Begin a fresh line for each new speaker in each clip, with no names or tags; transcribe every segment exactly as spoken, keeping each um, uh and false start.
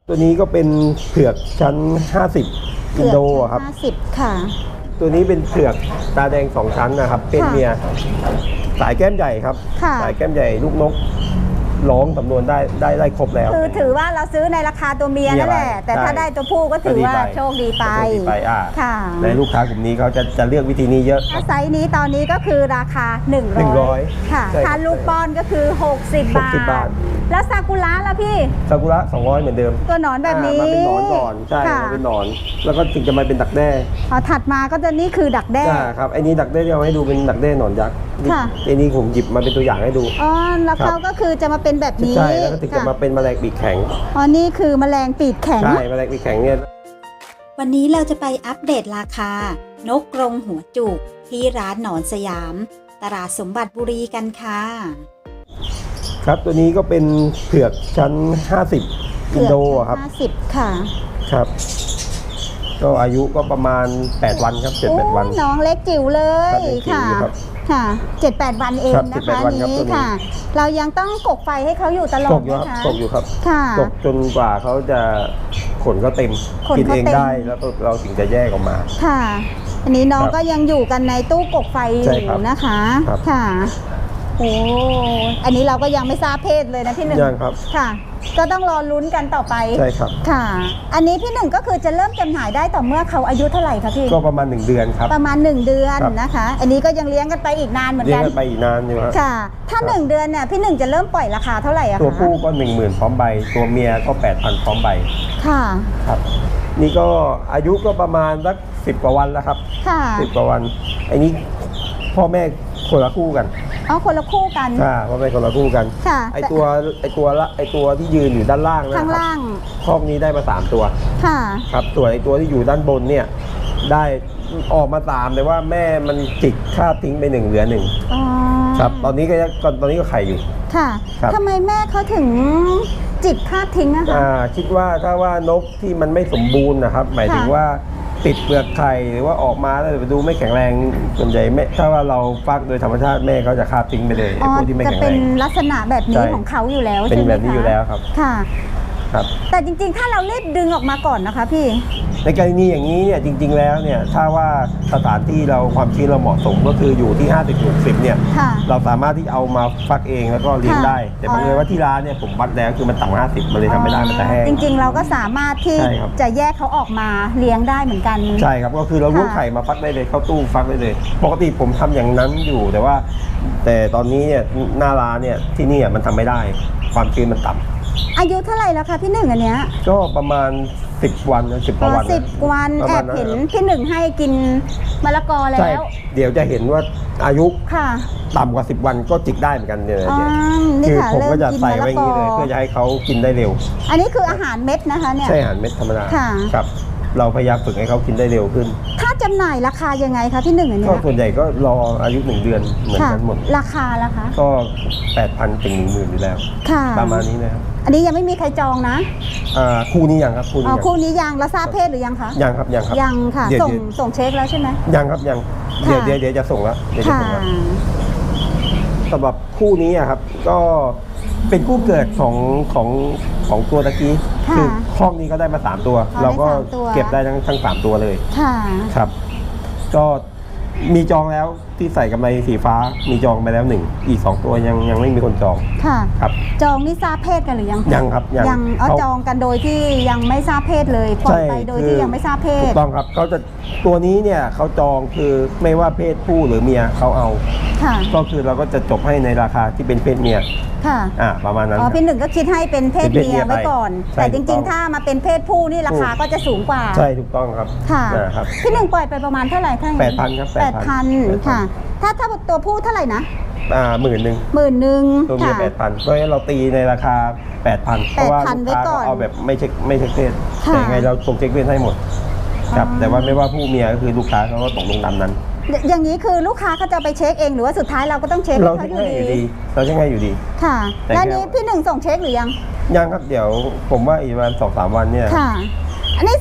ตัวนี้ก็เป็นเผือกชั้นห้าสิบอินโดครับ
ห้าสิบค่ะ
ตัวนี้เป็นเผือกตาแดงสองชั้นนะครับเป็นเมียสายแก้มใหญ่ครับสายแก้มใหญ่ลูกนกร้องสำนวนได้ได้ได้ครบแล้ว
คือถือว่าเราซื้อในราคาตัวเมียนั่นแหละแต่ถ้าได้ตัวผู้ก็ถือว่าโชคดีไป
ค่ะในลูกค้ากลุ่มนี้เขาจะจะเลือกวิธีนี้เยอะ
ไซส์นี้ตอนนี้ก็คือราคาหนึ่งร้อยค่ะถ้าลูกป้อนก็คือหกสิบบาทแล้วซากุระล่ะพี่
ซากุระสองร้อยเหมือนเดิม
ตัวหนอนแบบนี้
มันเป็นหนอนก่อนใช่มันเป็นหนอนแล้วก็ถึงจะมาเป็นดักแด้
พอถัดมาก็จะนี่คือดักแด้
ครับไอ้นี้ดักแด้ที่เอาให้ดูเป็นดักแด้หนอนยักษ์ไอ้นี้ผมหยิบมาเป็นตัวอย่างให้ดู
อ๋อแล้วเขาก็คือจะมาเป็นแบบนี้
ใช่แล้วก็ถึงจะมาเป็นแมลงปีกแข็ง
อ๋อนี่คือแมลงปีกแข็ง
ใช่แมลงปีกแข็งเนี่ย
วันนี้เราจะไปอัปเดตราคานกกรงหัวจุกที่ร้านหนอนสยามตลาดสมบัติบุรีกันค่ะ
ครับตัวนี้ก็เป็นเผือกชั้นห้าสิบอินโดครับ
ห้าสิบค่ะ
ครับก็อายุก็ประมาณแปดวันครับเจ็ดแปดวัน
น้องเล็กจิ๋วเลยค่ะค่ะเจ็ดแปดวันเองนะคะนี้ค่ะเรายังต้องกกไฟให้เขาอยู่ตลอด
นะคะตกอยู่ครับ
ค่ะ
ตกจนกว่าเขาจะขนเขาเต็มกินเองได้แล้วเราถึงจะแยกออกมา
ค่ะอันนี้น้องก็ยังอยู่กันในตู้กกไฟอยู่นะคะค่ะโอ้อันนี้เราก็ยังไม่ทราบเพศเลยนะพี่หนึ่ง
ยังครับ
ค่ะก็ต้องรอลุ้นกันต่อไป
ใช่ครับ
ค่ะอันนี้พี่หนึ่งก็คือจะเริ่มจำหน่ายได้ต่อเมื่อเขาอายุเท่าไหร่คะพี่
ก็ประมาณหนึ่งเดือนครับ
ประมาณหนึ่งเดือนนะคะอันนี้ก็ยังเลี้ยงกันไปอีกนานเหมือนกัน
เลี้ยงกันไปอีกนานอยู่ครับ
ค่ะถ้าหนึ่งเดือนเนี่ยพี่หนึ่งจะเริ่มปล่อยราคาเท่าไหร่อะคะ
ตัวผู้ก็หนึ่งหมื่นพร้อมใบตัวเมียก็แปดพันพร้อมใบ
ค่ะ
ครับนี่ก็อายุก็ประมาณสักสิบกว่าวันแล้วครับ
ค่ะ
สิบกว่าวันไอ้นี้พ่อแม่คนละคู่กัน
อ๋อคนละคู่กัน
ค่ะพ่อแม่คนละคู่กัน
ค่ะ
ไอตัวไอตัวละไอตัวที่ยืนอยู่ด้านล่างนะ
ข้างล่าง
คอกนี้ได้มาสามตัว
ค่ะ
ครับส่วนไอตัวที่อยู่ด้านบนเนี่ยได้ออกมาตามแต่ว่าแม่มันจิกคาบทิ้งไปหนึ่งเหลือหนึ่งครับตอนนี้ก็ตอนนี้ก็ไข่อยู่
ค่ะทำไมแม่เขาถึงจิกคาบทิ้งอะคะ
คิดว่าถ้าว่านกที่มันไม่สมบูรณ์นะครับหมายถึงว่าติดเปลือกไข่หรือว่าออกมาแล้วไปดูไม่แข็งแรงส่วนใหญ่แม่ถ้าว่าเราฟักโดยธรรมชาติแม่เขาจะคาบทิ้งไปเลยไอ้พวกที่ไม่แข็งแรงจะ
เป็นลักษณะแบบนี้ของเขาอยู่แล้วใช่ไหมคะ
เป็นแบบนี้อยู่แล้วครับ
ค่ะครับแต่จริงๆถ้าเราเล็ดดึงออกมาก่อนนะคะพี่
ในกรณีอย่างนี้เนี่ยจริงๆแล้วเนี่ยถ้าว่าสถานที่เราความชื้นเราเหมาะสมก็คืออยู่ที่ห้าสิบ หกสิบเนี่ยเราสามารถที่เอามาฟักเองแล้วก็เลี้ยงได้แต่บังเอิญว่าที่ร้านเนี่ยผมวัดแล้วคือมันต่ำกว่าห้าสิบมันเลยทำไม่ได้มันจะแห้ง
จริงๆเราก็สามารถที่จะแยกเขาออกมาเลี้ยงได้เหมือนกัน
ใช่ครับก็คือเราลูกไข่มาฟักได้เลยเข้าตู้ฟักได้เลยปกติผมทำอย่างนั้นอยู่แต่ว่าแต่ตอนนี้เนี่ยหน้าร้านเนี่ยที่นี่มันทำไม่ได้ความชื้นมันต่ำ
อายุเท่าไหร่แล้วคะพี่หนึ่งอันเนี้ย
ก็ประมาณสิบวันสิบกว่าวัน
สิบวันแอบเห็นพี่หนึ่งให้กินมะละกอแล้ว
เดี๋ยวจะเห็นว่าอายุ
ค่ะ
ต่ำกว่าสิบวันก็จิกได้เหมือนกันเนี่ยคือผมก็จะใส่ไว้อย่างนี้เลยเพื่อจะให้เขากินได้เร็ว
อันนี้คืออาหารเม็ดนะคะเนี่ย
ใช่อาหารเม็ดธรรมดาครับเราพยายามฝึกให้เขากินได้เร็วขึ้น
ถ้าจำหน่ายราคายังไงคะพี่หนึ่งอันนี้
ก็ส่วนใหญ่ก็รออายุหนึ่งเดือนเหมือนกันหมด
ราคาล่ะคะ
ก็แปดพันถึงหนึ่งหมื่นอยู่แล้วประมาณนี้นะครับ
อันนี้ยังไม่มีใครจองนะ
อ่าคู่นี้ยังครับคู่นี้
อ๋อคู่นี้ยังแล้วทราบเพศหรือยังคะ
ยังครับยังครับ
ยังค่ะส่งส่งเช็คแล้วใช่ไหม
ยังครับยังเดี๋ยวเดี๋ยวเดี๋ยวจะส่งแล้วเดี๋ยวจะส่งแล้วสำหรับคู่นี้อะครับก็เป็นคู่เกิดของของของตัวตะกี้คือห้องนี้ก็ได้มาสามตัวเราก็เก็บได้ทั้งทั้งสามตัวเลยครับก็มีจองแล้วที่ใส่กำไรสีฟ้ามีจองไปแล้วหนึ่งอีกสองตัวยังยังไม่มีคนจอง
ค่ะ
ครับ
จองนี่ทราบเพศกันหรือยัง
ยังครับ
ยังเอาจองกันโดยที่ยังไม่ทราบเพศเลยปล่อยไปโดยที่ยังไม่ทราบเพศ
ถูกต้องครับเขาจะตัวนี้เนี่ยเขาจองคือไม่ว่าเพศผู้หรือเมียเขาเอาก็คือเราก็จะจบให้ในราคาที่เป็นเพศเมีย
ค่ะ
อ่าประมาณนั้น
อ๋อพี่หนึ่งก็คิดให้เป็นเพศเมียไว้ก่อนแต่จริงๆถ้ามาเป็นเพศผู้นี่ราคาก็จะสูงกว่า
ใช่ถูกต้องครับ
ค่ะพี่หนึ่งปล่อยไปประมาณเท่าไหร่ท่าน
แปดพันครับ
แปดพันค่ะถ้าถ้าตัวผู้เท่าไหร่นะ
อ่าหมื่นหนึ่ง
หมื่นหนึ่ง
ตัวเมียแปดพันเพราะฉะนั้นเราตีในราคาแปดพันเพราะว่าลูกค้าเอาแบบไม่เช็คไม่เช็คเพศแต่ไงเราส่งเช็คเพศให้หมดครับแต่ว่าไม่ว่าผู้เมียก็คือลูกค้าเขาก็ตกลงตามนั้น
อย่างนี้คือลูกค้าเขาจะไปเช็คเองหรือว่าสุดท้ายเราก็ต้องเช็ค
เราเช็คให้อยู่ดีเราเช็คให้อยู่ดี
ค่ะแล้วนี้พี่หนึ่งส่งเช็คหรือยัง
ยังครับเดี๋ยวผมว่าอีกวันสองสามวันเนี่ย
ค่ะอันนี้ซื้อกันแ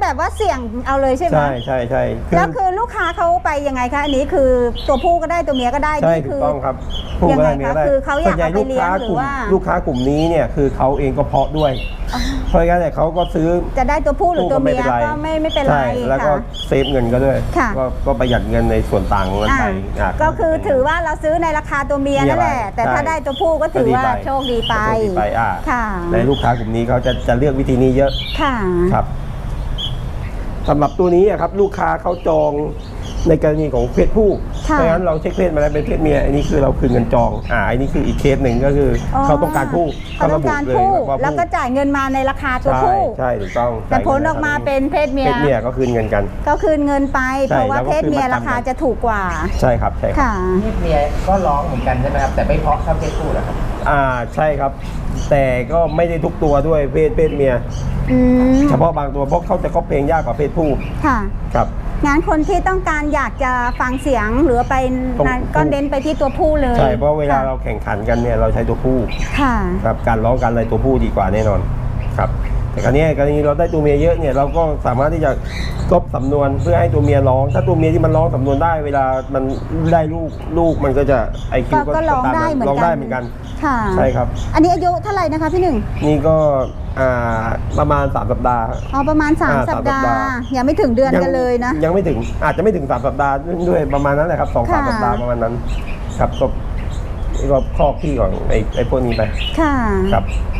แบบว่าเสี่ยงเอาเลยใช่ไหม
ใช่ใช่ใช่คือ
แล้วคือลูกค้าเขาไปยังไงคะอันนี้คือตัวผู้ก็ได้ตัวเมียก็ได้
ใช่
นี่
ถู
คื
กต้องครับผู้
ยัง
ก็
ไง
ได้เมีย
คะ
ได้
คือเขาอยาก
ส่วนใหญ่
เอาไป
ลูก
เลี้ย
ค้าง
หรื
กลุ่
อ
ม
ว่า
ลูกค้ากลุ่มนี้เนี่ยคือเขาเองก็เพาะด้วย เพราะงั้นเนี่ยเขาก็ซื้อ
จะได้ตัวผู้หรือตัวเมีย
ผู้
ก็ไม่ไม่เป็นไร
ใช่แล้วก็
ค่ะ
เซฟเงินก็ด้วย
ค่ะ
ก็ก็ประหยัดเงินในส่วนต่างของเงินไป
อ่า
ะ
ก็คือถือว่าเราซื้อในราคาตัวเมียนั่นแหละ
เมียไป
แต่ถ้า
ใช่
ได้ตัวผู้ก็ถือว่า
ก็ดีไป
โชคดีไป
โชคดีไปอ่า
ค่ะ
ในลูกค้ากลุ่มนี้เขาจะจะเลือกวิธีนี้เยอะ
ค่ะ
ครับสำหรับตัวนี้อะครับลูกค้าเขาจองในกรณีของเพศผู้
ค่ะ
เพราะงั้นเราเช็คเพศมาแล้วเป็นเพศเมียอันนี้คือเราคืนเงินจองอ่าอันนี้คืออีกเคสหนึ่งก็คืออเขาต้องการผู้
เขาต้องการผู้
ระบุเลยา
แล้วก็จ่ายเงินมาในราคาตัว
ใช่
ผู้
ใช่ถูกต้อง
แต่ผลออกมาเป็นเพศเมีย
เพศเมียก็คืนเงินกัน
ก็คืนเงินไป
ใช่
เพราะว่า
แล้วก็
เพศเมีย
คืนมา
ราคา
ตามกัน
จะถูกกว่า
ใช่ครับใช่ครับ
ค่ะ
เพศเมียก็ร้องเหมือนกันใช่ไหมครับแต่ไม่เพราะเท่าเพศผู้เหรอครับ
อ่าใช่ครับ แต่ก็ไม่ได้ทุกตัวด้วยเพศเพศเมีย
อืม
เฉพาะบางตัวเพราะเขาจะก็เพลงยากกว่าเพศผู้
ค่ะ
ครับ
งานคนที่ต้องการอยากจะฟังเสียงหรือไป
ตรง
นั้นก็เน้นไปที่ตัวผู้เลย
ใช่เพราะเวลา
ค่ะ
เราแข่งขันกันเนี่ยเราใช้ตัวผู้
ค่ะ
ครับการร้องการอะไรตัวผู้ดีกว่าแน่นอนครับแต่คราวนี้กรณีเราได้ตัวเมียเยอะเนี่ยเราก็สามารถที่จะกลบสำนวนเพื่อให้ตัวเมียร้อง ถ้าตัวเมียที่มันร้องสำนวนได้ เวลามันได้ลูกลูกมันก็จะไอคิ
ก็
ว
ก็ร้องได้เหมือน
ร้อง
กั
ได้
น
เหมือนกัน
ค่ะ
ใช่ครับ
อันนี้อายุเท่าไหร่นะคะพี่หนึ่ง
นี่ก็อ่าประมาณสามสัปดาห์
อ๋อประมาณ
อ่า
3 สัปดา
สามสัปดาห์
ห์ยังไม่ถึงเดือนกันเลยนะ
ยังไม่ถึงอาจจะไม่ถึงสามสัปดาห์ด้วยประมาณนั้นแหละครับสองสาม
ค่ะ
สัปดาห์ประมาณนั้นครับก็ก็ครอบที่ของไอ้ไอ้พวกนี้ไป
ค่ะ
ครับ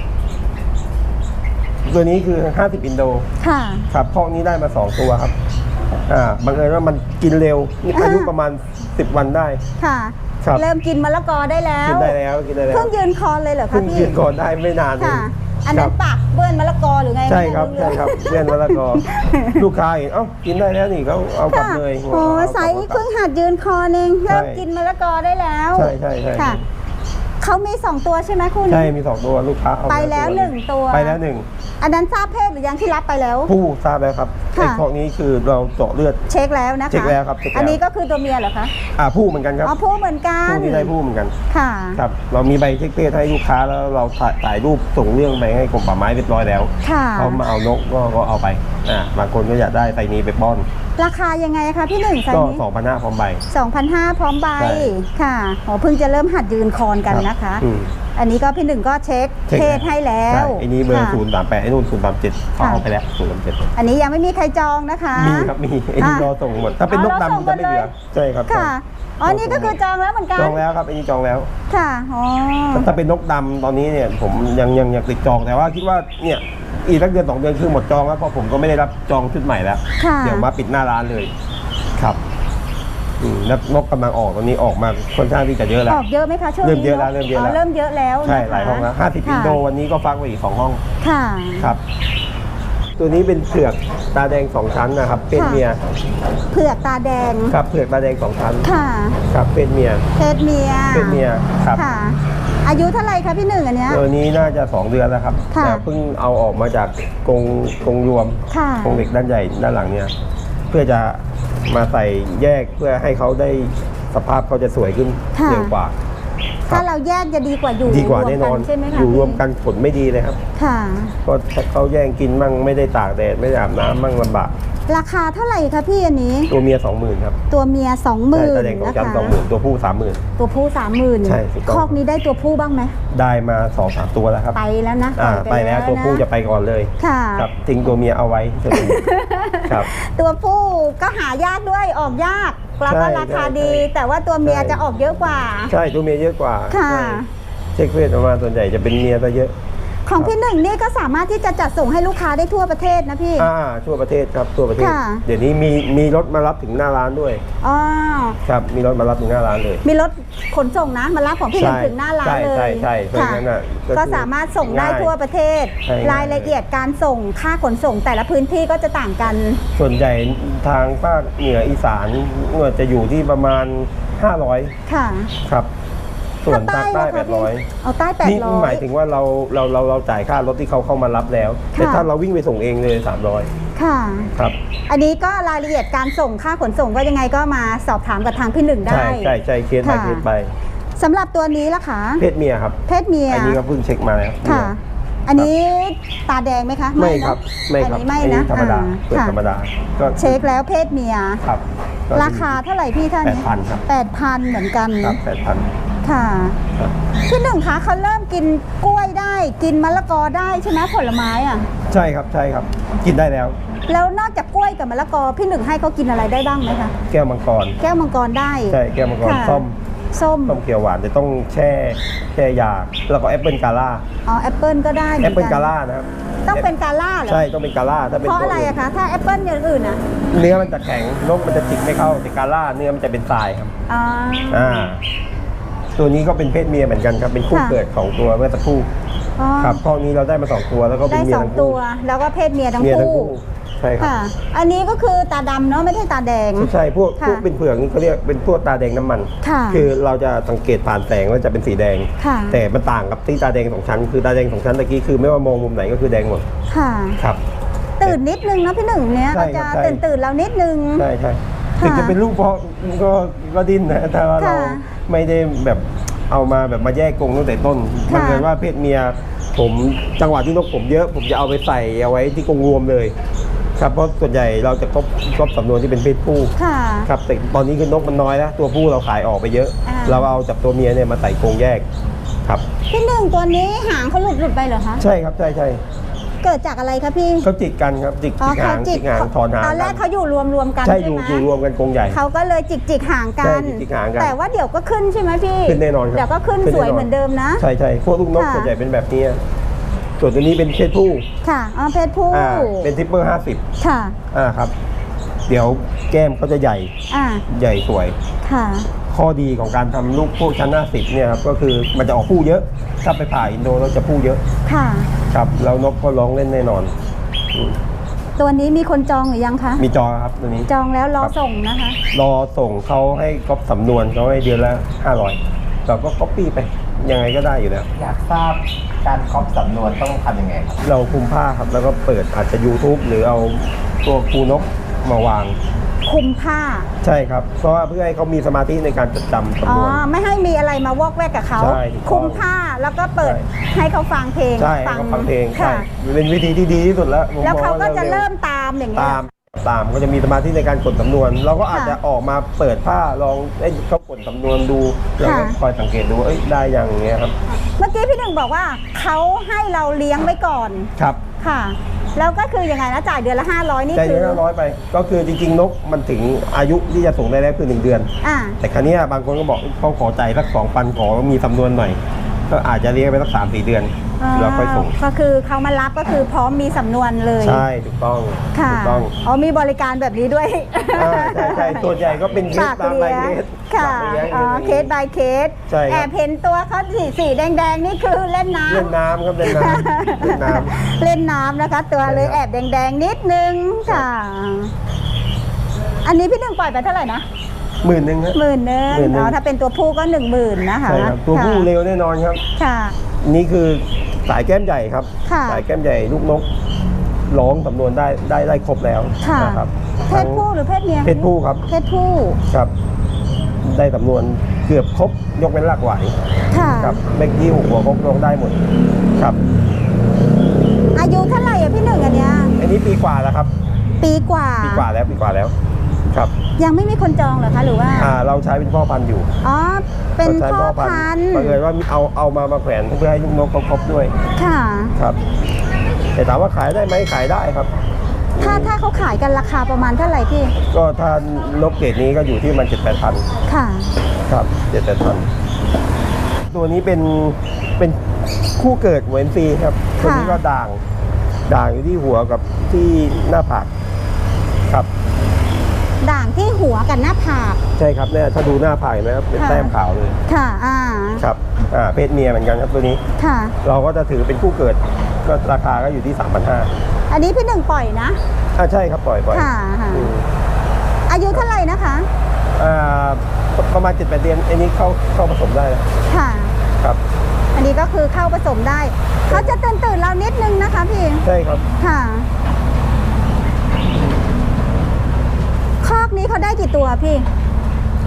ตัวนี้คือห้าสิบอินโด
ค่ะ
ครับพอกนี้ได้มาสองตัวครับ อ่าบังเอิญว่ามันกินเร็วนี่อายุประมาณสิบวันได้
ค่ะ
ครับ
เริ่มกินมะละกอได้แล้ว
กินได้แล้วกินได้แล้ว
เพิ่งยืนคอเลยเหรอคะ
เพิ่ง
พี่
กินก่อนได้ไม่นานเอง
ค่ะ อัน
ค
นั้
รั
น
บ
ปากเบิ้ลมะละกอหรือไง
ใช่ครับ
ไม่
ใช่ครับเพื่อนมะละกอ ลูกค้าเห็นเอ้ากินได้แล้วนี่เขาเอากลับ
ค่ะ
เลย
โอ้
เอากลับ
ใสเพิ่งหัดยืนคอเอง
ใช่
เริ่มกินมะละกอได้แล้ว
ใช่ใช่ใช่
ค่ะเขามีสองตัวใช่ไหมคู่นี้
ใช่มีสองตัวลูกค้าเอา
ไปแล้วหนึ่งตัว
ไปแล้วหนึ่ง
อันนั้นทราบเพศหรือยังที่รับไปแล้ว
ผู้ทราบแล้วครับ
ค่ะ
ไอ้พวกนี้คือเราเจาะเลือด
เช็คแล้วนะคะ
เช็คแล้วครับเช็คแล้ว
อันนี้ก็คือตัวเมียเหรอคะ
อ่าผู้เหมือนกันครับ
อ๋อผู้เหมือนกัน
ผู้นี้ได้ผู้เหมือนกัน
ค่ะ
ครับเรามีใบเช็คเพศให้ลูกค้าแล้วเราถ่ายถ่ายรูปส่งเรื่องไปให้กรมป่าไม้เรียบร้อยแล้ว
ค่ะ
เขามาเอานกก็ก็เอาไปอ่าบางคนก็อยากได้ไซนี้ไปป้อน
ราคายังไงคะพี่หนึ่งไซ
ก็
ส์นี้
สองพันห้าพร้อมใบ
สองพันห้าพร้อมใบ
ใช่
ค่ะอ๋อเพิ่งจะเริ่มหัดยืนคอนกันนะคะ
อืม
อันนี้ก็พี่หนึ่งก็เช็ค
เช็ค
เพศให้แล้
ใช่
ว
ไอ้นี้เบอร์
ค่ะ
ศูนย์สามแปดไอ้นู่นศูนย์สามเจ็ดเขา
ค่ะ
เอาไปแล้วศูนย์สามเจ็ด
อันนี้ยังไม่มีใครจองนะคะ
มีครับมีไอ้นี่
อ่ะ
รอส่งหมดถ้าเป็นนก
อ๋อรอส่ง
ดำจะไม่เหลือ
หมดเลย
ใช่ครับ
ค่ะอ๋อนี่ก็คือจองแล้วเหมือนกัน
จองแล้วครับไอ้นี่จองแล้ว
ค่ะอ๋อ
ถ้าเป็นนกดำตอนนี้เนี่ยผมยังยังยังติดจองแต่ว่าคิดว่าเนี่ยอีกสักเดือนสองเดือนคือหมดจองแล้วเพราะผมก็ไม่ได้รับจองชุดใหม่แล้ว
ค่ะ
เดี๋ยวมาปิดหน้าร้านเลยครับอืมแล้วนกกำลังออกตอนนี้ออกมาค่อนข้างที่จะเยอะแล้ว
ออกเยอะไหมคะช่วงนี้
เริ่มเยอะแล้วเริ่มเยอะแล้ว
เริ่มเยอะแล้ว
ใช่
นะคะ
หลายห้องแล้วห้าสิบ
ค่ะ
อินโดวันนี้ก็ฟักไว้อีกสองห้อง
ค่ะ
ครับ ตัวนี้เป็นเผือกตาแดงสองชั้นนะครับเป็น
ค่ะ
เมีย
เผือกตาแดง
ครับเผือกตาแดงสองชั้น
ค่ะ
ครับเป็นเมีย
เพศเมีย
เป็นเมียครับ
ค่ะ อายุเท่าไหร่คะพี่หนึ่งอันเนี้ย
ตัวนี้น่าจะสองเดือนแล้วครับ
ค่ะ
แต่เพิ่งเอาออกมาจากกรงกรงรวม
ค่ะ
กรงเหล็กด้านใหญ่ด้านหลังเนี่ยเพื่อจะมาใส่แยกเพื่อให้เขาได้สภาพเขาจะสวยขึ้น
ค่ะ
เร็วกว่า
ถ้าเราแยกจะดีกว่าอยู่
ดีกว่าแน่นอน
รวมใช่ไหมคะ
อยู่รวมกันผลไม่ดีเลยครับ
ค่ะ
ก็ถ้าเขาแย่งกินมั่งไม่ได้ตากแดดไม่ได้อาบน้ำมั่งลำบาก
ราคาเท่าไหร่คะพี่อันนี้
ตัวเมียสองหมื่นครับ
ตัวเมียสองหมื่น
ใช่ตาแดงของ
นะ
จัน
คะ
สองหมื่นตัวผู้สามหมื่น
ตัวผู้สามหมื่น
ใช่ถูกต้อง
คอกนี้ได้ตัวผู้บ้างไหม
ได้มาสองสามตัวแล้วครับ
ไปแล้วนะ
อ่า
ป
ไป
ล่อย
แล้วตัว
น
ผู้จะไปก่อนเลย
ค่ะ
ครับทิ้งตัวเมียเอาไว้จะดี ครับ
ตัวผู้ก็หายากด้วยออกยากแล้วก็
ใช่
ราคา
ใช่
ดี
ใช่
แต่ว่าตัวเมีย
ใช่
จะออกเยอะกว่า
ใช่ตัวเมียเยอะกว่า
ค่ะ
ใช่เช็คเพศออกมาส่วนใหญ่จะเป็นเมียซะเยอะ
ของพี่หนึ่งนี่ก็สามารถที่จะจัดส่งให้ลูกค้าได้ทั่วประเทศนะพี่
อ่าทั่วประเทศครับทั่วประเทศ
ค่ะ
เดี๋ยวนี้มีมีรถมารับถึงหน้าร้านด้วย
อ๋อ
ครับมีรถมารับถึงหน้าร้านเลย
มีรถขนส่งนะมารับของพี่หนึ่ง
ใช่
ถึงหน้าร้าน
ใช่
เลย
ใช่ใช่เพราะ
ค่ะ
งั้นน่ะก็
ก็
คือ
สามารถส่งได้
ง่าย
ทั่วประเทศ
ใช่ง่าย
รายละเอียดการส่งค่าขนส่งแต่ละพื้นที่ก็จะต่างกัน
ส่วนใหญ่ทางภาคเหนืออีสานจะอยู่ที่ประมาณห้าร้อย
ค่ะ
ครับ ส่วนภาคใต้
ล่ะ
แป
คะ
ดร้อย
พี่เอาใต้แปด
นี่
ร้อย
หมายถึงว่าเราเราเราเราจ่ายค่ารถที่เขาเข้ามารับแล้ว
ค่ะ
แต่ถ้าเราวิ่งไปส่งเองเลยสามร้อย
ค่ะ
ครับ
อันนี้ก็รายละเอียดการส่งค่าขนส่งก็ยังไงก็มาสอบถามกับทางพี่หนึ่งได้
ใช่ใช่ใช่เคสไป
ค่ะ
เคสไป
สำหรับตัวนี้ล่ะคะ
เพศเมียครับ
เพศเมีย
อันนี้ก็เพิ่งเช็คมาแล้ว
ค่ะอันนี้ตาแดงไหมคะ
ไม่
นะครับ
ไม่ครับ
อันนี้ไม่นะ
ธรรมดา
อ่
เปิด
ค่ะ
ธรรมดาก็
เช็คแล้วเพศเมีย
ครับก็
ราคาเท่าไหร่พี่ท่าน
แปดพันครับ
แปดพันเหมือนกัน
ครับแปดพัน
ค่ะ
ครับ
พี่หนึ่งคะเขาเริ่มกินกล้วยได้ กินมะละกอได้ใช่ไหมผลไม้อ่ะ
ใช่ครับใช่ครับ กินได้แล้ว
แล้วนอกจากกล้วยกับมะละกอพี่หนึ่งให้เขากินอะไรได้บ้างไหมคะ
แก้วมังกร
แก้วมังกรได้
ใช่แก้วมังกร
ค่ะ
ส้ม
ส้ม
ส้มเขียวหวานจะต้องแช่แช่ยาแล้วก็แอปเปิลกาล่า
อ๋อแอปเปิลก็ได้หมื
แอ
อน
ปเปิล
น
กาล่านะครับ
ต้องเป็นกาล่าเหรอ
ใช่ต้องเป็นกาล่าถ้าเป็น
เพราะ
ตัว
อะไร
อื่น
อะคะ ถ้าแอปเปิลอย่างอื่นอะ
เนื้อมันจะแข็งนกมันจะจิกไม่เข้าแต่กาล่าเนื้อมันจะเป็นทรายครับ
อ๋อ
อ่าตัวนี้ก็เป็นเพศเมียเหมือนกันครับเป็นคู่
ค่ะ
เกิดของตัวเมื่อสักครู่
อ๋อ
ครับข้อนี้เราได้มาสองตัวแล้วก็เป็
ได้
นเมีย
สอง
ทั้ง
ตั
คู่
ว แล้วก็เพศเมียทั้ง
เมียทั้ง
คู่
คู่ใช่ครับ
ค่ะ อันนี้ก็คือตาดำเนาะไม่ใช่ตาแดง
ใช่ใช่พวก
ค่ะ
พวกเป็นเผือกนี่เขาเรียกเป็นพวกตาแดงน้ำมัน
ค่ะ
คือเราจะสังเกตผ่านแสงแล้วจะเป็นสีแดง
ค่ะ
แต่มันต่างกับที่ตาแดงสองชั้นคือตาแดงสองชั้นตะกี้คือไม่ว่ามองมุมไหนก็คือแดงหมด
ค่ะ
ครับ
ตื่นนิดนึงเนาะพี่หนึ่งเนี้ย
ใช่
ก็
ครั
จะ
บใช่
ตื่นตื่นเรานิดนึง
ใช่ใช่
ค่ะ
ถึงจะเป็นลูกเพาะก็ก็ดิ้นนะแต่ว่าเรา
ค่ะ
ไม่ได้แบบเอามาแบบมาแยกกรงตั้งแต่ต้น
ค่ะ
บังเอิญว่าเพศเมียผมจังหวะที่นกผมเยอะ ผมจะเอาไปใส่เอาไว้ที่กรงรวมเลย ครับเพราะส่วนใหญ่เราจะครบครบสำนวนที่เป็นเพศผู้
ค่ะ
ครับแต่ตอนนี้คือนกมันน้อยแล้วตัวผู้เราขายออกไปเยอะ
อ่า
เราเอาจากตัวเมียเนี่ยมาใส่กรงแยกครับ
พี่หนึ่งตัวนี้หางเขาหลุดหลุดไปเหรอคะ
ใช่ครับใช่ใช่
เกิดจากอะไรคะพี่
เขาจิกกันครับจิก
อ๋อ
จิกหางจิกหางถอนหาง
ตอนแรกเขาอยู่รวมรวมๆกัน
ใช่
ใช่
อยู่
ไหม
อยู่รวมกันกรงใหญ่
เขาก็เลยจิกจิกห่างกั
ใช่
น
จิกหางกัน
แต่ว่าเดี๋ยวก็ขึ้นใช่ไหมพี่
ขึ้นแน่นอนครับ
เดี๋ยวก็ขึ้น
ขึ้น
ส
แน่
วย
นอน
เหมือนเดิมนะ
ใช่ใช่พวกลูกนก
ค่ะ
ส่วนใหญ่เป็นแบบนี้ส่วนตัวนี้เป็นเพศผู้
ค่ะอ๋อเพศผู้
อ่าเป็นทิปเปอร์ห้าสิบ
ค่ะ
อ่าครับ เดี๋ยวแก้มเขาจะใหญ่
อ่า
ใหญ่สวย
ค่ะ
ข้อดีของการทำลูกพวกชั้นห้าสิบเนี่ยครับก็คือมันจะออกผู้เยอะ ถ้าไปผ่าอินโดเราจะผู้เยอะ
ค่ะ
ครับแล้วนกก็ร้องเล่นแน่นอนอืม
ตัวนี้มีคนจองหรือยังคะ
มีจอครับตัวนี้
จองแล้วรอ
ครับ
ส่งนะคะ
รอส่งเขาให้ก๊อปสำนวนเขาให้เดือนละห้าร้อยเราก็ก๊อปปี้ไปยังไงก็ได้อยู่แล้ว
อยากทราบการครอบสำนวนต้องทำยังไงครับ
เราคุมผ้าครับแล้วก็เปิดอาจจะ YouTube หรือเอาตัวครูนกมาวาง
คุมผ้า
ใช่ครับ เพราะว่าเพื่อให้เขามีสมาธิในการจดจำ
อ๋
สำ
อ
นวน
ไม่ให้มีอะไรมาวอกแวกกับเขา
ใช่ถูกต้อง
คุมผ้าแล้วก็เปิด
ใช่
ให้เขาฟังเพลง
ใช่ให้เขาฟังเพลงใช่
ค่ะ
เป็นวิธีที่ดีที่สุดแล้วผม
แล้ว
มอง
เขาก็จะ
ว่
เริ่มตามอย่างเงี้ย
ตามตามก็จะมีสมาธิในการกดสำนวน เราก็อาจ
ค่ะ
จะออกมาเปิดผ้าลองเอ้ยเขากดสำนวนดูเราก็
ค่ะ
คอยสังเกตดูว่าเอ้ยได้ยังอย่างเงี้ยครับ
เมื่อกี้พี่หนึ่งบอกว่าเขาให้เราเลี้ยงไว้ก่อน
ครับ
ค่ะ แล้วก็คือยังไงนะจ่ายเดือนละห้าร้อยนี่
ใจ
คื
เดือน
อ
ละร้อยไป ก็คือจริงๆนกมันถึงอายุที่จะส่งได้แล้วคือหนึ่งเดือน
อ่า
แต่ครั้นี้ยบางคนก็บอกเขาขอใจายสักสองพันขอมีสำนวนหน่อย ก็อาจจะเลี้ยงไปสักสามสี่เดือนแล้วค่อยส่ง
ก็คือเขามารับก็คือพร้อมมีสำนวนเลย
ใช่ถูกต้อง
ค่ะ
ถูกต้อง
อ๋อมีบริการแบบนี้ด้วย
อ่าใช่ใช่ส่วนใหญ่ก็เป็นเคส
ฝาก
ตาม
เลี้
ราย
ยง
เคส
ค่ะ
ฝากเลี้ยง
อ๋อเคส by เคส
ใช่ครับ
แอบเห็นตัวเขาสีสีแดงๆนี่คือเล่นน้ำ
เล่นน้ำครับเล่นน้ำเล่นน้ำ
เล่นน้ำนะคะ ตัวเลย
ใช่ครับ
แอบแดงๆนิดนึงค่ะ อันนี้พี่หนึ่งปล่อยไปเท่าไหร่นะ
หมื่นหนึ่งครับ
หมื่นหนึง
หมื่นหนึ่ง
อ๋อถ้าเป็นตัวผู้ก็หนึ่งหมื่นนะคะ
ใช่ครับตัวผู้
ค่ะ
เร็วแน่นอนครับ
ค่ะ
นี่คือสายแก้มใหญ่ครับ
ค่ะ
สายแก้มใหญ่ลูกนกร้องสำนวนได้ได้ได้ครบแล้ว
ค่ะ
นะครับ
เพศผู้หรือเพศเมีย
เพศผู้ครับ
เพศผู้
ครับ ได้สำนวนเกือบครบยกเว้นรากไหว
ค่ะ
ครับเมื่อกี้หัวครบร้องได้หมดครับ
อายุเท่าไหร่อะพี่หนึ่งอันเนี้ย
อันนี้ปีกว่าแล้วครับ
ปีกว่า
ปีกว่าแล้วปีกว่าแล้วครับ
ยังไม่มีคนจองเหรอคะหรือว่า
อ่าเราใช้เป็นพ่อพันธุ์อยู่
อ๋อ เป็น
ราใช้
พ่อพันธุ์
บังเอิญว่าเอาเอามามาแขวนเพื่อให้ลูกนกเขาครบด้วย
ค่ะ
ครับ แต่ถามว่าขายได้ไหมขายได้ครับ
ถ้าถ้าเขาขายกันราคาประมาณเท่าไหร่พี่
ก็ถ้านกเกรดนี้ก็อยู่ที่มันเจ็ดแปดพัน
ค่ะ
ครับเจ็ดแปดพันตัวนี้เป็นเป็นคู่เกิดเวนซีครับตัวนี้ก็ด่างด่างอยู่ที่หัวกับที่หน้าผากครับ
ด่างที่หัวกับหน้าผาก
ใช่ครับเนี่ยถ้าดูหน้าผากเห็นไหมครับเป็น
ค่ะ
แต้มขาวเลย
ค่ะ อ่า
ครับอ่าเพศเมียเหมือนกันครับตัวนี้
ค่ะ
เราก็จะถือเป็นคู่เกิดก็ราคาก็อยู่ที่ สามพันห้าร้อย
อันนี้พี่หนึ่งปล่อยนะ
อ่าใช่ครับปล่อยปล่อย
ค่ะค่ะ
อืม
อายุเท่าไหร่นะคะ
อ่าประมาณเจ็ดแปดเดือนอันนี้เข้าเข้าผสมได้แล้ว
ค่ะ
ครับ
อันนี้ก็คือเข้าผสมได้ เขาจะตื่นตื่นๆเรานิดนึงนะคะพี่
ใช่ครับ
ค่ะ คอกนี้เขาได้กี่ตัวพี่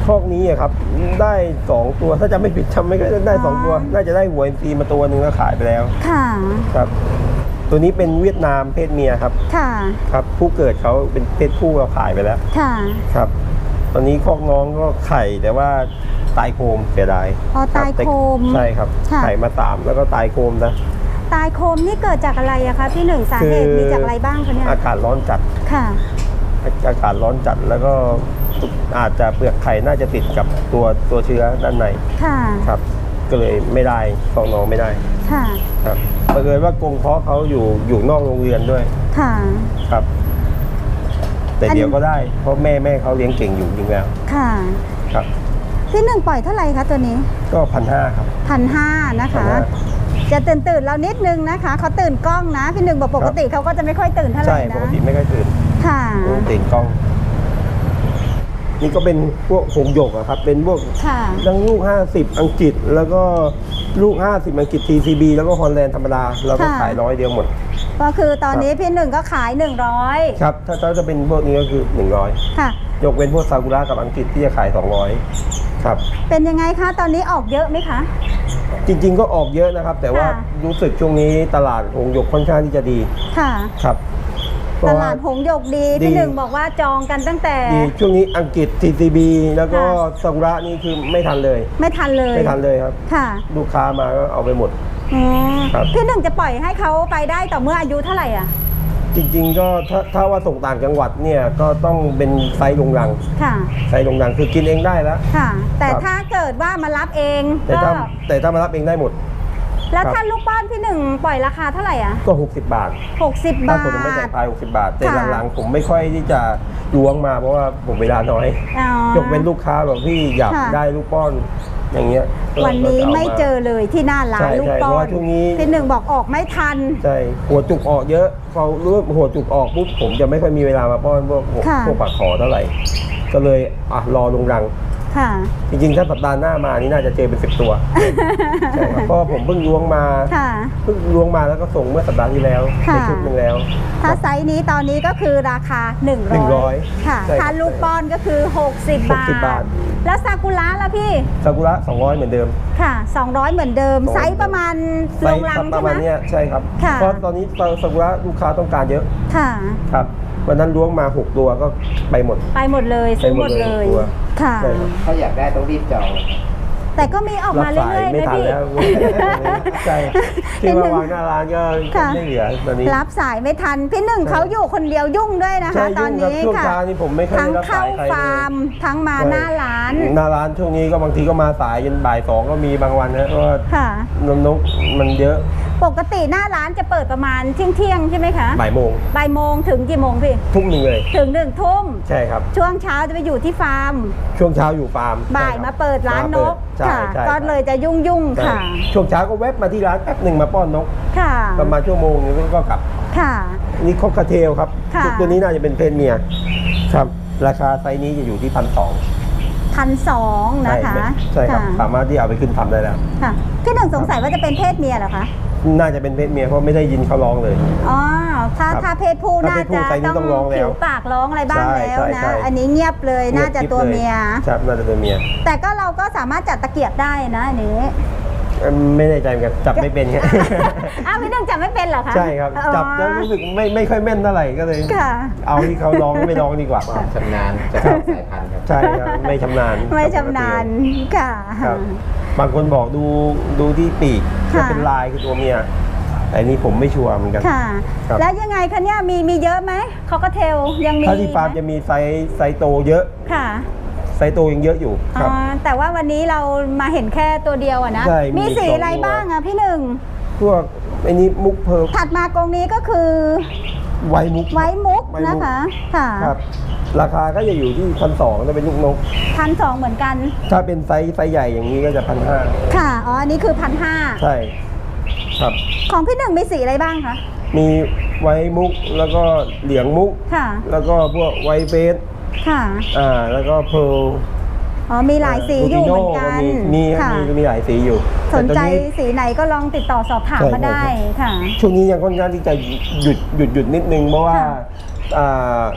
คอกนี้อะครับได้สองตัวถ้าจะไม่ผิดจำไม่ได้ได้สองตัว น่าจะได้หัวอินทรีมาตัวหนึ่งแล้วขายไปแล้ว
ค่ะ
ครับ ตัวนี้เป็นเวียดนามเพศเมียครับ
ค่ะ
ครับผู้เกิดเขาเป็นเพศผู้เราขายไปแล้ว
ค่ะ
ครับ ตอนนี้คอกน้องก็ไข่แต่ว่าตายโคมเสียดาย
อ๋อ
รับ
ตายโคม
ใช่ครับ
ค่ะ
ไข่มาสามแล้วก็ตายโคมนะ
ตายโคมนี่เกิดจากอะไรอะคะพี่หนึ่งสาเหตุ
คือ
มีจากอะไรบ้างคะเนี่ย
อากาศร้อนจัด
ค่ะ
อากาศร้อนจัดแล้วก็อาจจะเปลือกไข่น่าจะติดกับตัวตัวเชื้อด้านใน
ค่ะ
ครับ ก็เลยไม่ได้คอกน้องไม่ได้
ค่ะ
ครับบังเอิญว่ากรงเพาะเขาอยู่อยู่นอกโรงเรียนด้วย
ค่ะ
ครับ แต่
อัน
เดี๋ยวก็ได้เพราะแม่แม่เขาเลี้ยงเก่งอยู่จริงแล้ว
ค่ะ
ครับ
พี่หนึ่งปล่อยเท่าไหร่คะตัวนี้
ก็พันห้าครับ
พันห้านะคะ
พันห้า
จะตื่นตื่นๆเรานิดนึงนะคะเขาตื่นกล้องนะ พี่หนึ่งบอกปกติเขาก็จะไม่ค่อยตื่นเท่าไห
ใช่
ร่นะ
ปกติไม่ค่อยตื่น
ค่ะ
ตื่นกล้อง นี่ก็เป็นพวกหงส์หยกอะครับ เป็นพวก
ค่ะ
ทั้งลูกห้าสิบอังกฤษ แล้วก็ลูกห้าสิบอังกฤษ ที ซี บี แล้วก็ฮอลแลนด์ธรรมดาเราก็ขายร้อยเดียวหมด
ก็คือตอนนี้พี่หนึ่งก็ขายหนึ่งร้อย
ครับ ถ้าถ้าจะเป็นพวกนี้ก็คือหนึ่งร้อย
ค่ะ
ยกเว้นพวกซากุระกับอังกฤษที่จะขายสองร้อยครับ
เป็นยังไงคะตอนนี้ออกเยอะไหมคะ
จริงๆก็ออกเยอะนะครับ แต่ว่า
ค่ะ
รู้สึกช่วงนี้ตลาดหงส์หยกค่อนข้างที่จะดี
ค่ะ
ครับเพ
ต
ระว่
ลาดหงส์หยกดี
ดี
พี่หนึ่งบอกว่าจองกันตั้งแต่
ดีช่วงนี้อังกฤษ ที ซี บี แล้วก็
ค่ะ
ซากุระนี่คือไม่ทันเลย
ไม่ทันเลย
ไม่ทันเลยครับ
ค่ะ
ลูกค้ามาก็เอาไปหมด
อ๋อ
ครับ
พี่หนึ่งจะปล่อยให้เขาไปได้ต่อเมื่ออายุเท่าไหร่อ่ะ
จริงๆก็ถ้าถ้าว่าส่งต่างจังหวัดเนี่ยก็ต้องเป็นไซส์โรงรัง
ค่ะ
ไซส์โรงรังคือกินเองได้แล้ว
ค่ะ แต่
ครับ
ถ้าเกิดว่ามารับเอง
แต่
ก็
ถ้าแต่ถ้ามารับเองได้หมด
แล้ว
ครับ
ถ้าลูกป้อนพี่หนึ่งปล่อยราคาเท่าไหร่อ่ะ
ก็ หกสิบบาท
หกสิบ
ถ้า
บาท
ผมไม่จ่ายปลายหกสิบบาท แต่
ค่ะ
หลังๆผมไม่ค่อยที่จะล้วงมาเพราะว่าผมเวลาน้อย
อ๋อย
กเป็นลูกค้าแบบพี่อยาก
ค่ะ
ได้ลูกป้อนอย่างเงี้ยก็
วันนี้
ก็จะา
ไม่
า
เจอเลยที่หน้าร้า
ใช่
นลูก
ใช่
ป้อ
เพราะ
น
ว่าช่วงนี้
พี่หนึ่งบอกออกไม่ทัน
ใช่หัวจุกออกเยอะพอรู้ว่าหัวจุกออกปุ๊บผมจะไม่ค่อยมีเวลามาป้อนพวก
ค่ะ
พวกปากขอเท่าไหร่ ก็เลยอ่ะรอลงรัง
ค่ะ
จริงๆถ้าสัปดาห์หน้ามานี่น่าจะเจอเป็นสิบตัว ใช่ครับเพราะว่าผมเพิ่งล้วงมา
ค่ะ
เพิ่งล้วงมาแล้วก็ส่งเมื่อสัปดาห์ที่แล้ว
ค่ะ
ในชุดหนึ่งแล้ว
ถ้าไซส์นี้ตอนนี้ก็คือราคาหนึ่งร้อย
หนึ่งร้อย
ค่ะ
ใช่ครับ
ถ้าลูกป้อนก็คือหกสิบบาท
หกสิบบาท
แล้วซากุระล่ะพี่
ซากุระสองร้อยเหมือนเดิม
ค่ะสองร้อยเหมือนเดิม
สองร้อย
ไซส์ประมาณ
ไซ
ล
ส์
งรัง
ป
ใช่
ระ
ไหม
มาณเนี้ยใช่ครับ
ค่ะ
เพราะตอนนี้ซากุระลูกค้าต้องการเยอะ
ค่ะ
ครับวันนั้นล้วงมาหกตัวก็ไปหมด
ไปหมดเลยซื้อหมดเลย
ไปหมดเลยตัว
ค่ะ
ใช่ครับ
ถ้าอยากได้ต้องรีบจอง
แต่ก็มีออก
รั
มา
บ
เรื่
สาย
อยๆ
ไม่
นะ
ทัน
พี่
แล้ว ใช่ที่มาวางหน้าร้านก็ก็
ค่ะ
ไม่เหลือตอนนี้
รับสายไม่ทัน พี่หนึ่ง
ใช่
เขาอยู่คนเดียวยุ่งด้วยนะ
ใช่
คะ ตอน
ยุ่งครับ
นี้
ช่วง
ค่ะ
เช้านี่ผมไม่ค่อย
ทั้ง
ได้รับ
เข้า
สายใครเลย
ฟาร์ม ทั้งมา
ใช่
หน้าร้าน
หน้าร้านช่วงนี้ก็บางทีก็มาสายจนบ่ายสองก็มีบางวันนะเพราะว่า
ค่ะ
นมนกมันเยอะ
ปกติหน้าร้านจะเปิดประมาณเที่ยงเที่ยงๆใช่ไหมคะ
บ่ายโมง
บ่ายโมงถึงกี่โมงพี่
ทุ่มหนึ่งเลย
ถึงหนึ่งทุ่ม
ใช่ครับ
ช่วงเช้าจะไปอยู่ที่ฟาร์ม
ช่วงเช้าอยู่ฟาร์ม
บ่าย
ใช่ค
มา
บ
เปิดร้านนก
ใช่
ค่ะ
ใช่
ก็เลยจะยุ่งยุ่งๆ
ใช่
ค่ะ
ช่วงเช้าก็แวบมาที่ร้านแป๊บหนึ่งมาป้อนนก
ค่ะ
ประมาณชั่วโมงนึงก็กลับ
ค่ะ
นี่คอกเทลครับ
ค่ะ
ตัวนี้น่าจะเป็นเพศเมียครับ ราคาไซส์นี้จะอยู่ที่พันสอง
พันสองนะคะ
ใช่ครับ
ะ
สามารถที่เอาไปขึ้นทำได้แล้ว
ค่ะพี่หนึ่งสงสัยว่าจะเป็นเพศเมียเหรอคะ
น่าจะเป็นเพศเมียเพราะไม่ได้ยินเขาร้องเลย
อ๋อ ถ้า
ครับ
ถ้าเพศผู้
ถ้า
น่า
เพศผู้
จะ
ไซส์นี้
ต้อง
ต้องร้องแล้ว
ผิวปากร้องอะไรบ้าง
ใช่
แล้ว
ใช่
นะ
ใช่
อันนี้เงียบเลยน่าจะตัวเมีย
ครับน่าจะตัวเมีย
แต่ก็เราก็สามารถจัดตะเกียบได้นะอันนี้
เอิ่มไม่แน่ใจเหมือนกันจับไม่เป็นครับ
อ้าวพี่หนึ่งจับไม่เป็นเหรอคะ
ใช่ครับ
อ๋อ
จับแล้วรู้สึกไม่ไม่ค่อยแม่นเท่าไหร่ก็เลย
ค่ะ
เอาที่เขาร้องไม่ร้องดีกว่า
ความชำนาญจะเข้าสายพันธุ์ครับ
ใช่ครับไม่ชำนาญ
ไม่ชำนาญค่ะ
ครับ บางคนบอกดูดูที่ปีก
ค่ะ
จะเป็นลายคือตัวเมียแต่อันนี้ผมไม่ชัวร์เหมือนกัน
ค่ะ
ครับ
แล้วยังไงคะเนี่ยมีมีเยอะไหมคอกเทลยังมี
ถ้าที่ฟาร์ม
ไห
จะมีไซส์ไซส์โตเยอะ
ค่ะ
ไซส์โตยังเยอะอยู่ค
อ๋
รั
อบ แต่ว่าวันนี้เรามาเห็นแค่ตัวเดียวอะนะ
ใช่มี
มีสี
สอง
อะไร
ตัว
บ้างอะพี่หนึ่ง
พวกไอ้นี้มุกเพร์ล
ถัดมากรงนี้ก็คือ
ไวมุก
ไว้มุก
ไว้มุก
นะคะ ค่ะ
ครับ ราคาก็จะอยู่ที่พันสองถ้าเป็นลูกนก
พันสองเหมือนกัน
ถ้าเป็นไซส์ไซส์ใหญ่อย่างนี้ก็จะพันห้า
ค่ะ อ๋อ อันนี้คือพันห้า
ใช่ครับ
ของพี่หนึ่งมีสีอะไรบ้างคะ
มีไวมุกแล้วก็เหลียงมุก
ค่ะ
แล้วก็พวกไวเฟส
ค่ะ
อ่าแล้วก็เพร์ล
อ๋อ มีหลายสีอยู่เหมือนกัน
มีมีครับ
ค่ะ
มีมีหลายสีอยู่
สนใจ
แต่ตอ
สีไหนก็ลองติดต่อสอบถาม
ใช่
มาได้
ใช่
ค่ะ
ช่วงนี้ยังค่อนข้างที่จะหยุดหยุดหยุดนิดนึงเพราะว่า
ค่ะ
อ่า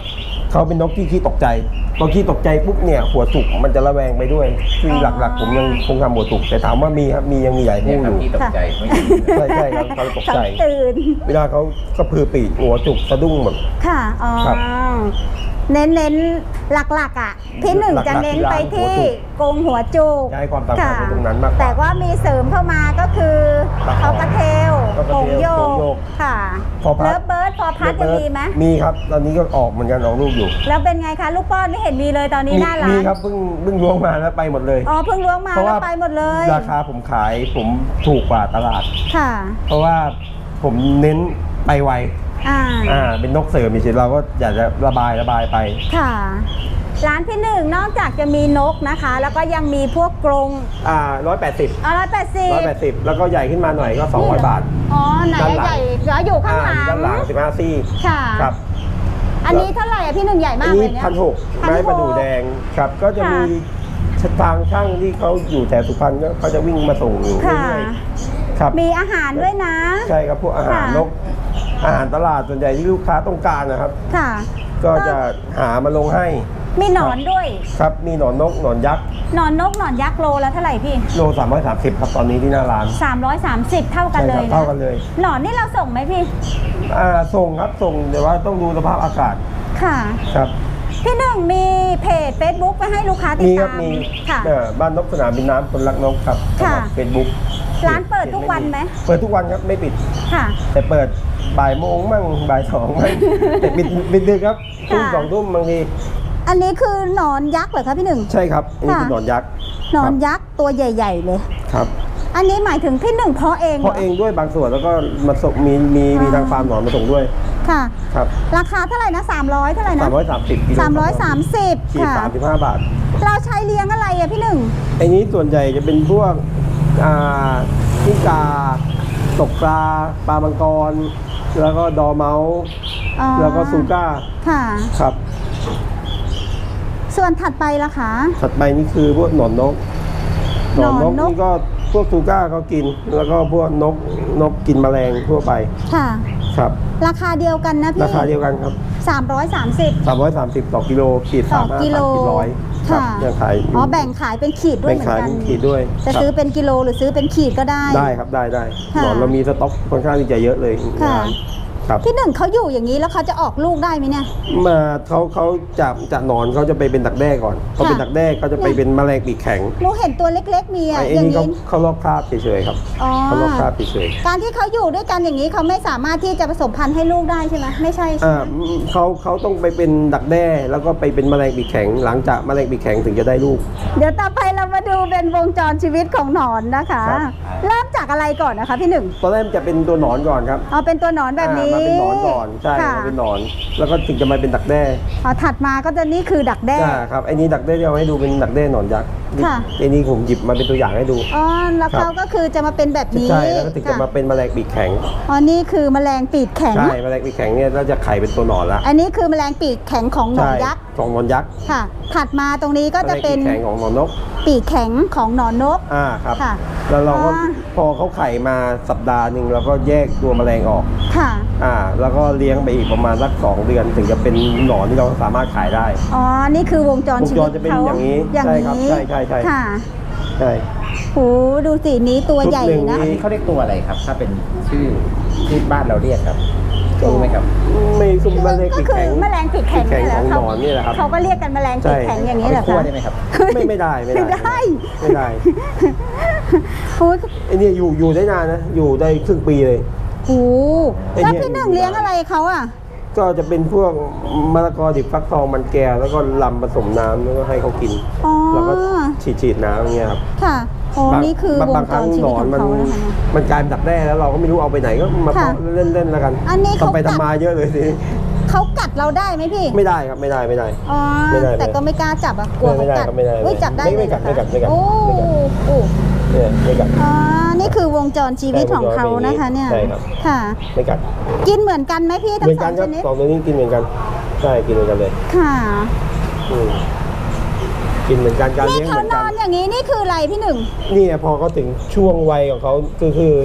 เขาเป็นนกที่ขี้ตกใจตอนขี้ตกใจปุ๊บเนี่ยหัวจุกมันจะระแวงไปด้วยซึ่งหลักๆผมยังคงทำหัวจุกแต่ถามว่ามีครับมียังมีใหญ่
เนี่
ผู้
ย
อ
ครับ
ยู่
ที่ตกใจไม่ดี
ใช่ใช่ครับเขาตกใจ
เขาตื่น
เวลาเขาก็พือปีกหัวจุกสะดุ้งแบบ
ค่ะอ๋อ
ครับ
เน้นเน้นๆหลักๆอ่ะพี่หนึ่งจะเน้นไปที่กรงหัวจุก
จะให้ความสำคัญ
ค่ะ
ในตรงนั้นมากกว่า
แต่ว่ามีเสริมเข้ามาก็คือ
ตะขอ
เขากระเทล
เขากระ
โป่ง
เทล
โย
โป่งโย
ก
ก
ค่ะ
พอพัด
เลิฟเบิร์ดพอพัดยังมีไหม
มีครับตอนนี้ก็ออกเหมือนกันออกลูกอยู่
แล้วเป็นไงคะ ลูกป้อนไม่เห็นมีเลยตอนนี้หน้าร้า
มี
น
ครับเพิ่งเพิ่งล้วงมาแล้วไปหมดเลย
อ๋อเพิ่งล้วงมา
เพราะ
แล้ว
ว่า
ไปหมดเลย
ราคาผมขายผมถูกกว่าตลาด
ค่ะ
เพราะว่าผมเน้นไปไว
อ่า
อ่าเป็นนกเสริมเฉยๆเราก็อยากจะระบายระบายไป
ค่ะ ร้านพี่หนึ่งนอกจากจะมีนกนะคะ แล้วก็ยังมีพวกกรง
อ่าร้อยแปดสิบ
อ๋อร้อยแปดสิบ
ร้อยแปดสิบแล้วก็ใหญ่ขึ้นมาหน่อยก็สองร้อยบาท
อ๋อไหน
ด้านหลัง
ใหญ่เหลืออยู่ข้างหลัง
ด้านหลังสิบห้าซี่
ค่ะ
ครับ
อันนี้เท่าไหร่อะพี่หนึ่งใหญ่
อั
มาน กเล
นี้
ยเนี่ย
พันหก
พันหก
ไม้ประดู่แดงครับ ก็จะมีทางช่างที่เขาอยู่แถวสุพรรณก็เขาจะวิ่งมาส่งอยู่
ค่ะ
เรื่อยๆครับ
มีอาหารด้วยนะ
ใช่ครับพวกอาหาร
ค่ะ
นกอาหารตลาดส่วนใหญ่ที่ลูกค้าต้องการนะครับ
ค่ะ
ก็จะหามาลงให้
มีหนอนด้วย
ครับมีหนอนนกหนอนยักษ์
หนอนนกหนอนยักษ์โลแล้วเท่าไหร่พี่
โลสามร้อยสามสิบครับตอนนี้ที่หน้าร้าน
สามร้อยสามสิบเท่ากัน
ใช่
เล
ครับ
ย
เท่า
นะ
กันเลย
หนอนนี่เราส่งไหมพี่
อ่าส่งครับส่งแต่ว่าต้องดูสภาพอากาศ
ค่ะ
ครับ
พี่หนึ่งมีเพจ Facebook ไปให้ลูกค้าติด
มีครั
ตา
บ
ม
มี
ค่ะ
เอ่อบ้านนกสนามบินน้ำคนรักนกครับ
ค่ะ
เฟซบุ๊ก
ร้านเปิดทุกวันไหม
เปิดทุกวันครับไม่ปิด
ค่ะ
แต่เปิดบ่ายโมงมั่งบ่ายสองมั่ง แต่ปิดปิดดึกครับทุ่ม
ค่ะ
สองทุ่มบางที
อันนี้คือหนอนยักษ์เหรอคะพี่หนึ่ง
ใช่ครับอันนี้
ค่ะ
คือหนอนยักษ์
หนอนยักษ์ตัวใหญ่ ๆ เลย
ครับ
อันนี้หมายถึงพี่หนึ่งเพาะเองห
เพราะเองด้วยบางส่วนแล้วก็มาส่งมีมีมีทางฟาร์มหนอนมาส่งด้วย
ค่ะ
ครับ
ราคาเท่าไหร่นะสามร้อยเท่าไหร่นะ
สามร้อยสามสิบกิโล
สามร้อยสามสิบ
ขีด
ค่ะ
สามสิบห้าบาท
เราใช้เลี้ยงอะไรอะพี่หนึ่ง
ไอ้นี้ส่วนใหญ่จะเป็นพวกอ่ากิ้งกาตกปลาปลามังกร แล้วก็ดอร์เมาส์
อ๋อ
แล้วก็ซูก้า
ค่ะ
ครับ
ส่วนถัดไปล่ะคะ
ถัดไปนี่คือพวกหนอนนก หนอนนก
หนอนนก
นี่ก็พวกซูก้าเขากิน แล้วก็พวกนกนกกินแมลงทั่วไป
ค่ะ
ครับ
ราคาเดียวกันนะพี่
ราคาเดียวกันครับ
สามร้อยสามสิบ
สามร้อยสามสิบต่อกิโลขีด
ต่อ
สามห้า
กิโล
สามขีดร้อยครับ
ค่ะ
ยังขายยู่
อ๋อแบ่งขายเป็นขีดด้วย
แบ่ง
เหมือ
ขาย
นกั
เป็น นขีดด้วย
จะ
ครับ
ซื้อเป็นกิโลหรือซื้อเป็นขีดก็ได้
ได้ครับได้ได้
ค่ะ
หนอนเรามีสต็อกค่อนข้างที่จะเยอะเลย
ค่ะ
งานครับ
พี่หนึ่งเขาอยู่อย่างนี้แล้วเขาจะออกลูกได้ไหมเนี่ย
มาเขาเขาจะจะหนอนเขาจะไปเป็นดักแด้ก่อนพอเป็นดักแด้เขาจะไปเป็นแมลงปีกแข็ง
หนูเห็นตัวเล็กๆมีอะ
ไอ้
อย่าง
นี่เขา
นี้
เขาลอกคราบเฉยๆครับ
อ๋อ
เขาลอกคราบเฉย
การที่เขาอยู่ด้วยกันอย่างนี้เขาไม่สามารถที่จะผสมพันธุ์ให้ลูกได้ใช่ไหมไม่ใช่
ๆ
ใช่
อ่า
ไหม
เขาเขาต้องไปเป็นดักแด้แล้วก็ไปเป็นแมลงปีกแข็ง หลังจากแมลงปีกแข็งถึงจะได้ลูก
เดี๋ยวต่อไปเรามาดูเป็นวงจรชีวิตของหนอนนะคะ
ครับ
เริ่มจากอะไรก่อนนะคะพี่หนึ่ง
ตอนแรกจะเป็นตัวหนอนก่อนครับ
เอาเป็นตัวหนอนแบบนี้
อ่ามาเป็นหนอนก่อนใช่
ค่ะ
มาเป็นหนอน แล้วก็ถึงจะมาเป็นดักแด้
อ๋อถัดมาก็จะนี่คือดักแด้
อ่าครับไอ้นี้ดักแด้ที่เอาให้ดูเป็นดักแด้หนอนยักษ์
ค่ะ
ไอ้นี้ผมหยิบมาเป็นตัวอย่างให้ดู
อ๋อแล้ว
ครับ
เขาก็คือจะมาเป็นแบบนี้
ใช่แล้วก็ถึงจะมา
ค่
เป็นแมลงปีกแข็ง
อ๋อนี่คือแมลงปีกแข็ง
ใช่แมลงปีกแข็งเนี่ยเราจะไข่เป็นตัวหนอนละ
อันนี้คือแมลงปีกแข็งของหนอน
ใช่
ยักษ์
ของหนอนยักษ์
ค่ะ ถัดมาตรงนี้ก็จะเป็น
แมลงปีกแข็งของหนอนนก
ปีกแข็งของหนอนนก
อ่าครับ
ค่ะ
แล้วเราก็
อ๋อ
พอเขาไข่มาสัปดาห์หนึ่งเราก็แยกตัวแมลงออก
ค่ะ
อ่า แล้วก็เลี้ยงไปอีกประมาณสักสองเดือนถึงจะเป็นหนอนที่เราสามารถขายได้
อ๋อ นี่คือวงจร
วง
ชี
จ
วิ
ร
ต
จะเป็น
เขา
อย่างนี้
อย่าง
ใช่ครับ
นี้
ใช่ใช่ใช่
ค่ะ
ใช่
โหดูสินี้ตัวใหญ่
ชุดหนึ่ง
นะ
อันนี้เขาเรียกตัวอะไรครับ ถ้าเป็นชื่อที่บ้านเราเรียกครับรู้ไหมครับ
ไม่ซุ่มแมลง
ก็
ปีก
คือ
แข็ง
แมลงปีกแข็ง
ปีกแข็ง
นี่แหละ
ของหนอนนี่แหละครับ
เขาก็เรียกกันแมลงปีกแข็ง
ใช่
อย่าง
เอา
นี้
ไป
เหรอ
คั่ว
คะ
ได้ไหมครับ
ไม่ไม่ได้ไม่
ไม่
ได้
ได้
ไม่ได้
โอ้ย
ไอ้เนี่ยอยู่อยู่ได้นานนะ อยู่ได้ครึ่งปีเลย
โห
ไอ้
แล้ว
เนี่ย
พี่หนึ่งเลี้ยงอะไรเขาอ่ะ
ก็จะเป็นพวกมะละกอดิบฟักทองมันแก้วแล้วก็ลำผสมน้ำแล้วก็ให้เขากิน
อ๋อ
แล้วก็ฉีดฉีดน้ำอย่างเงี้ยครับ
ค่ะอ๋อบ
าง
นี่คือว
บาง
ง
ค
จ
รั้ง
รชี
หน
วิต
อน
ของ
มัน
เขานะคะเนี่ย
มันกลายเป็นดักแด้แล้วเราก็ไม่รู้เอาไปไหนก็มา
ค่ะ
เพาะเล่นๆแล้วกัน
อันนี้เขา
ทำไป
กัด
ทำมาเยอะเลยทีนี้
เขากัดเราได้ไหมพี่
ไม่ได้ครับไม่ได้ไม่ได้
อ๋อ
ไม่ได้
แต่ก็ไม่กล้าจับอ่ะ กลัว
ไม่
เขา
ได้
กัด
ครับไม่ได้
เฮ้ยจับได้
ไม่ไม่
เลย
กัด
เหรอ
ไม่กัดไม่กัด
โอ้
ไม่กัด
โอ้
เนี่ยไม่กัด
อ๋อ นี่คือวงจรชีวิตของเขานะคะเนี่ย
ใช่ครับ
ค่ะ
ไม่กัด
กินเหมือนกันไหมพี่
เห
ทั้
มื
ง
อน
สอ
กัน
ง
ค
ช
รับ
นิด
สองตัวนี้กินเหมือนกันใช่กินเหมือนกันเลย
ค่ะ
อืมกินเหมือนกันการ
นี่
เลี้ยงเห
เขา
มือน
น
กั
อน นอย่างนี้นี่คืออะไรพี่หนึ่ง
นี่พอเขาถึงช่วงวัยของเขาคือคือ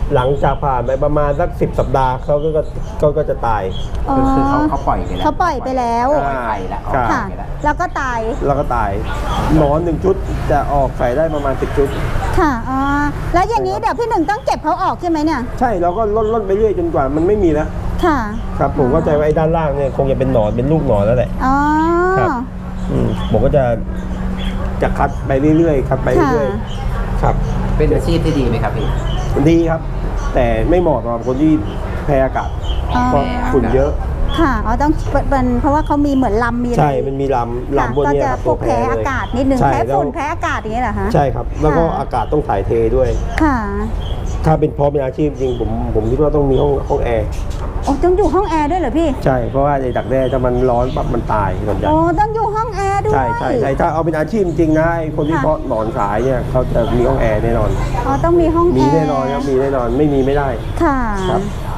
หลังจากผ่านไปประมาณสักสิบสัปดาห์เขาก็ก็ก็จะตาย
อ๋อ
คือเขาเขาปล่อยไปแล้ว
เขาปล่อยไปแล้ว
ปล่อยไข่แล้วออก
ค่ะ
ค่ะ
ไข่แล้ว
แล้วก็ตาย
แล้วก็ตายหนอนหนึ่งชุดจะออกไข่ได้ประมาณสิบชุด
ค่ะอ๋อแล้วอย่างนี้เดี๋ยวพี่หนึ่งต้องเก็บเขาออกใช่ไหมเนี่ย
ใช่เราก็ลดลดไปเรื่อยจนกว่ามันไม่มีแล้ว
ค่ะ
ครับผมเข้าใจว่าไอ้ด้านล่างเนี่ยคงจะเป็นหนอนเป็นลูกหนอนแล้วแหละ
อ๋อ
ครับ อืมผมก็จะจะคัดไปเรื่อยๆคัดไปเรื่อย
ค่ะ
ๆครับ
เป็นอาชีพที่ดีไหมครับพี่
ดีครับ แต่ไม่เหมาะสำหรับคนที่แพ้อากาศ
อ๋อ
เพราะฝุ่นเยอะ
ค่ะอ๋อต้องเป็นเพราะว่าเขามีเหมือนลำมีอะไร
ใช่มันมีลำ
ค่ะ
ลำบน
ก็
เนี้
จะ
ครับ
พวกแพ้
เลย
อากาศนิดนึง
ใช่
แพ้
แล้ว
ฝุ่นแพ้อากาศอย่างนี้เหรอคะ
ใช่ครับ แล้วก็
ค่ะ
อากาศต้องถ่ายเทด้วย
ค่ะ
ถ้าเป็นเพราะเป็นอาชีพจริงผมผมคิดว่าต้องมีห้องห้องแอร์
โอ้ต้องอยู่ห้องแอร์ด้วยเหรอพี่
ใช่เพราะว่าไอ้ดักแด้ถ้ามันร้อนปั๊บมันตายส่วนใหญ่
โอ้ต้องอยู่ห้องแอร์ด้วย
ใช่ใช่ใช่ถ้าเอาเป็นอาชีพจริงนะไอ้คนที่
ค่ะ
เพาะหนอนขายเนี่ยเขาจะมีห้องแอร์แน่นอน
อ๋อต้องมีห้องแอร์
มีแน่นอนครับมีแน่นอนไม่มีไม่ได้
ค่ะ
ครับ